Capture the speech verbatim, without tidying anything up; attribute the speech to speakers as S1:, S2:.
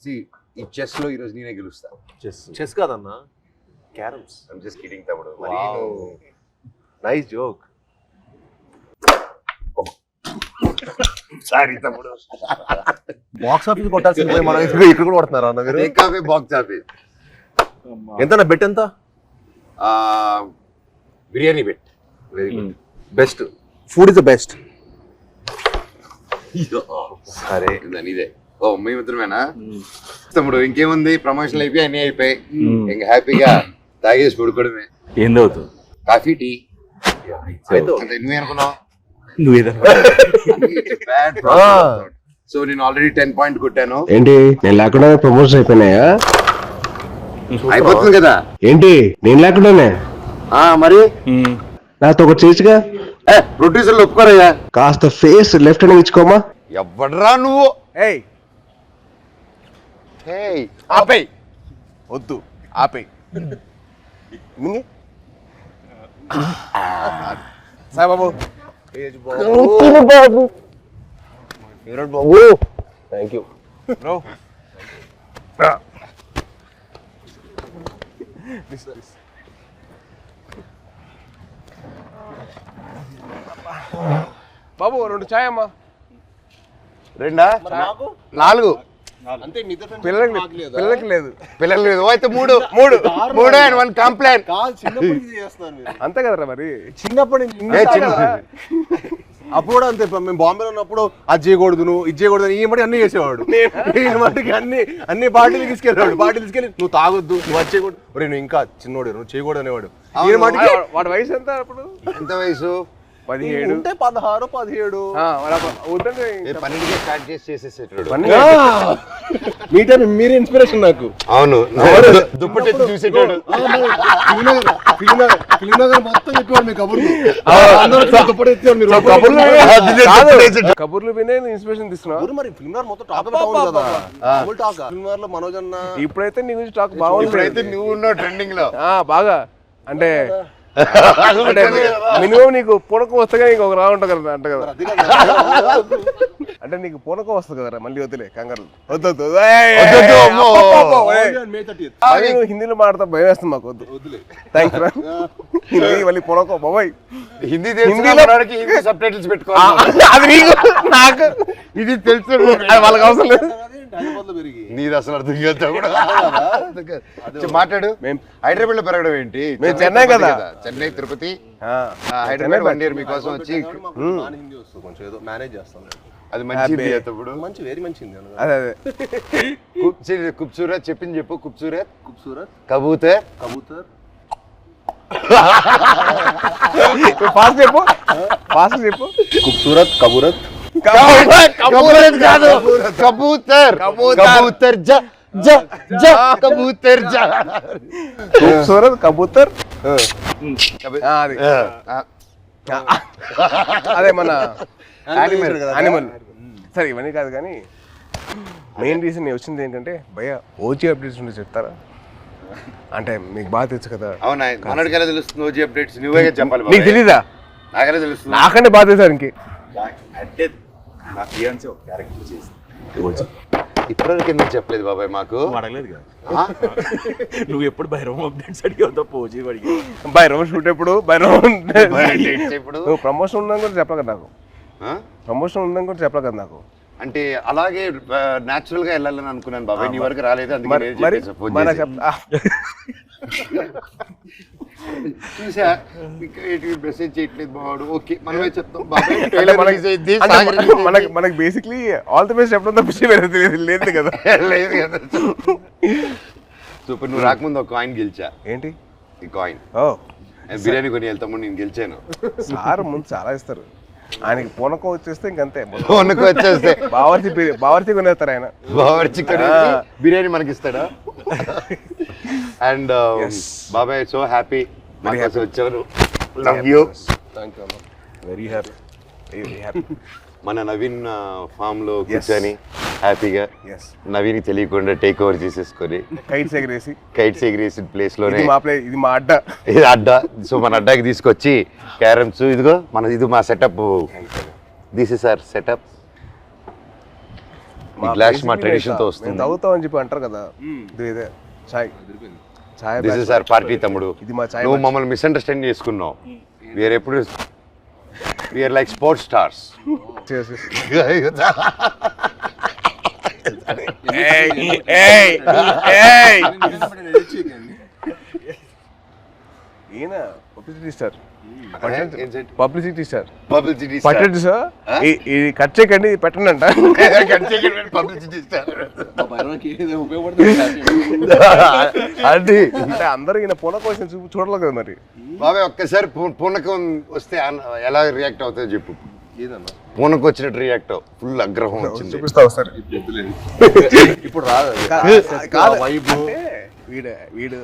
S1: ఈ చెస్ లో ఈ రోజు నేనే గెలుస్తా.
S2: చెస్ చెస్ కాదన్నా, క్యారమ్స్.
S1: ఐమ్ జస్ట్ కిడింగ్ తమ్ముడు. మరి
S2: నైస్ జోక్.
S1: సారీ తమ్ముడు.
S2: బాక్స్ ఆఫీస్ కొట్టాల్సింది పోయి మనం ఇక్కడ కూడా కొడుతున్నారా అన్న మీరు?
S1: Coffee box office.
S2: ఎంత బెట్ ఎంత?
S1: Biryani bet.
S2: Very good. Best food is the best.
S1: సరే ఇదే. ఓ మేమిద్దరమేనా తమ్ముడు? ఇంకేముంది, ప్రమోషన్లు అయిపోయి అన్ని అయిపోయి ఇంకా హ్యాపీగా తాగేసి పడుకోవడమే.
S3: ఏం తాగుతావు?
S1: Coffee, tea. నువ్వేనుకున్నావు? సో నేను ఆల్రెడీ టెన్ పాయింట్ కొట్టాను.
S4: ఏంటి నేను లేకుండా ప్రమోషన్ అయిపోయినాయా?
S1: అయిపోతుంది కదా.
S4: ఏంటి నేను లేకుండానే?
S1: మరి
S4: నాతో ఒక చేసిగా
S1: ప్రొడ్యూసర్లు ఒప్పుకోరయ్యా.
S4: కాస్త ఫేస్ లెఫ్ట్ హ్యాండ్ ఇచ్చుకోమా.
S1: ఎవడరా నువ్వు?
S2: ఏయ్
S1: ఏయ్ ఆపేయ్.
S2: వద్దు ఆపేయ్. సాయి బాబు
S4: బాబు బాబు థ్యాంక్ యూ
S2: బ్రో. బాబు రెండు ఛాయ్ అమ్మా.
S1: రెండా? నాలుగు.
S2: పిల్లలకి పిల్లలకి లేదు.
S1: పిల్లలు లేదు అయితే మూడు మూడు మూడు అండ్ వన్ కంప్లైంట్.
S2: అంతే కదరా మరి.
S4: చిన్నప్పటి నుంచి అప్పుడు కూడా అంతే. మేము బాంబేలో ఉన్నప్పుడు అది చేయకూడదు, నువ్వు ఇది చేయకూడదు, ఈ మట్టి అన్ని చేసేవాడు. ఈ మట్టికి అన్ని అన్ని బాటిల్ తీసుకెళ్ళాడు. బాటిల్ తీసుకెళ్ళి నువ్వు తాగొద్దు, నువ్వు అది చేయకూడదు, నువ్వు ఇంకా చిన్నోడు, నువ్వు చేయకూడదు అనేవాడు. ఈ మట్టికి
S2: వాడి వయసు ఎంత అప్పుడు?
S1: ఎంత వయసు?
S2: పదిహేడు
S4: ఉంటే పదహారు పదిహేడు.
S1: పన్నెండుకే స్టార్ట్ చేసి చేసేసేటాడు.
S4: మీ టైం మీరే ఇన్స్పిరేషన్ నాకు.
S1: అవును, దుప్పటి చూసేటాడు.
S4: మొత్తం చెప్పేవాడు మీ కబుర్లు.
S2: కబుర్లు వినే ఇన్స్పిరేషన్ తీసుకున్నావు.
S4: మరి ఫిల్మ్ మొత్తం టాక్ కదా. ఫిల్మ్ లో మనోజ్ అన్న
S2: ఇప్పుడైతే నీ గురించి టాక్ బాగుంది.
S1: ఇప్పుడైతే నువ్వు ఉన్నావు ట్రెండింగ్ లో
S2: బాగా. అంటే అంటే మినిమం నీకు పూనకం వస్తే నీకు ఒక రా ఉంటుంది కదా అంట కదా. అంటే నీకు పూనకం వస్తుంది కదరా. మళ్ళీ వద్దులే కంగారు. వద్దు హిందీలో మాట్లాడతా భయం వేస్తుంది మాకు. వద్దు వద్దులే. థ్యాంక్స్ రా. హిందీ మళ్ళీ పూనకం బాబాయ్.
S1: హిందీ హిందీలో సబ్ టైటిల్స్ పెట్టుకోవాలి. అది నీకు నాకు ఇది తెలుసు, వాళ్ళకి అవసరం లేదు. నీది అసలు అర్థం కాదు కూడా. మాట్లాడు. హైదరాబాద్ లో పెరగడం ఏంటి?
S2: మేము చెన్నై కదా.
S1: చెన్నై, తిరుపతి, హైదరాబాద్ వన్ ఇయర్ మీకోసం వచ్చి
S4: కొంచెం ఏదో మేనేజ్ చేస్తాను.
S1: అది మంచిది. అప్పుడు
S4: మంచి వెరీ మంచిది.
S2: అదే అదే
S1: ఖూబ్సూరత్ చెప్పింది చెప్పు. ఖూబ్సూరత్
S4: ఖూబ్సూరత్
S1: కబూతర్
S4: కబూతర్
S2: ఫాస్ట్ చెప్పు. ఫాస్ట్ చెప్పు.
S4: ఖూబ్సూరత్ కబూరత్
S1: కబూతర్ కాదు, కబూతర్ కబూతర్ జ జ జ కబూతర్ జ.
S2: ఖూబ్సూరత్ కబూతర్. అది అదే మన యానిమల్. సరే ఇవన్నీ కాదు కానీ మెయిన్ రీజన్ నేను వచ్చింది ఏంటంటే భయ ఓజీ అప్డేట్స్ ఉంటే చెప్తారా? అంటే మీకు బాగా తెలుసు కదా.
S1: అవునా? మనడికెలా తెలుస్తుంది ఓజీ అప్డేట్స్? నువ్వే చెప్పాలి.
S2: నీకు తెలీదా?
S1: నాకెలా తెలుస్తుంది?
S2: నాకంటే బాగా తెలుసా ఇంకే.
S3: అంటే నా ఫియాన్సీ ఒక క్యారెక్టర్ చేసింది.
S1: ఇప్పటివరకు ఎందుకు చెప్పలేదు బాబాయ్ మాకు?
S3: అడగలేదు కదా. నువ్వు ఎప్పుడు భైరవం అప్డేట్స్ అడిగావు తప్ప ఓజీ అడిగి.
S2: భైరవం షూట్ ఎప్పుడు? భైరవం
S1: ఇప్పుడు
S2: నువ్వు ప్రమోషన్ ఉందని కూడా చెప్పలే కదా నాకు. ప్రమోషన్ ఉందని కూడా చెప్పలే కదా నాకు.
S1: అంటే అలాగే న్యాచురల్ గా వెళ్ళాలని అనుకున్నాను బాబాయ్. నీ వరకు రాలేదు. చూసా మెసేజ్ చేయట్లేదు బావాడు. ఓకే మనమే చెప్తాం
S2: మనకి మనకి బేసిక్లీ ఆల్ ది బెస్ట్ చెప్పడం తప్పించి లేదు కదా.
S1: లేదు కదా. సూపర్. నువ్వు రాకముందు ఒక కాయిన్ గెలిచా.
S2: ఏంటి
S1: ఈ కాయిన్?
S2: ఓ
S1: బిర్యానీ కొని వెళ్తాము. నేను గెలిచాను.
S2: సార్ ముందు చాలా ఇస్తారు. ఆయనకి పూనకం వచ్చేస్తే ఇంకంతే.
S1: పూనకం వచ్చేస్తే
S2: బావర్చి బావర్చి కొనేస్తారు ఆయన.
S1: బావర్చి బిర్యానీ మనకి ఇస్తాడా? అండ్ బాబాయ్ సో హ్యాపీ వచ్చారు. Love you.
S2: Thank you. Very happy. Very happy.
S1: మన నవీన్ ఫామ్ లో కూర్చొని హ్యాపీగా నవీన్ తెలియకుండా టేక్ ఓవర్ చేసేసుకొని
S2: కైట్స్ ఎగరేసి
S1: కైట్స్ ఎగరేసి ప్లేస్ లోనే
S2: ఇది మా అడ్డా.
S1: ఇది అడ్డా. సో మన అడ్డాకి తీసుకొచ్చి క్యారమ్స్ ఇదిగో మన ఇది మా setup. This is our setup. ఈ గ్లాస్ మా
S2: basically
S1: ట్రెడిషన్ తో
S2: మేము
S1: వస్తుంది.
S2: తాగుతామని చెప్పి అంటారు కదా, ఇది ఇదే చాయ్ చాయ్
S1: దిస్ ఇస్ అవర్ పార్టీ తమ్ముడు.
S2: ఇది మా చాయ్
S1: నువ్వు మమ్మల్ని మిస్అండర్స్టాండ్ చేసుకున్నావు. వీఆర్ ఎప్పుడు వీఆర్ లైక్ స్పోర్ట్స్ స్టార్స్.
S2: ఈయన publicity star publicity star
S1: publicity
S2: పట్టండి సార్, ఇది కట్ చేయకండి, ఇది పెట్టండి అంట.
S1: పబ్లిసిటీ స్టార్
S2: అది అంటే అందరూ ఈయన పూల కోసం చూపు చూడలేదు కదా మరి.
S1: బాబాయ్ ఒక్కసారి పూ- పూనకం వస్తే అన్న- ఎలా రియాక్ట్ అవుతుందో చెప్పు. పూనకం వచ్చినట్టు రియాక్ట్ అవ్వు. ఫుల్ ఆగ్రహం వచ్చింది.
S2: చూపిస్తా ఒకసారి.
S4: ఇప్పుడు రాదు
S2: కాదు, అంటే వీడు వీడు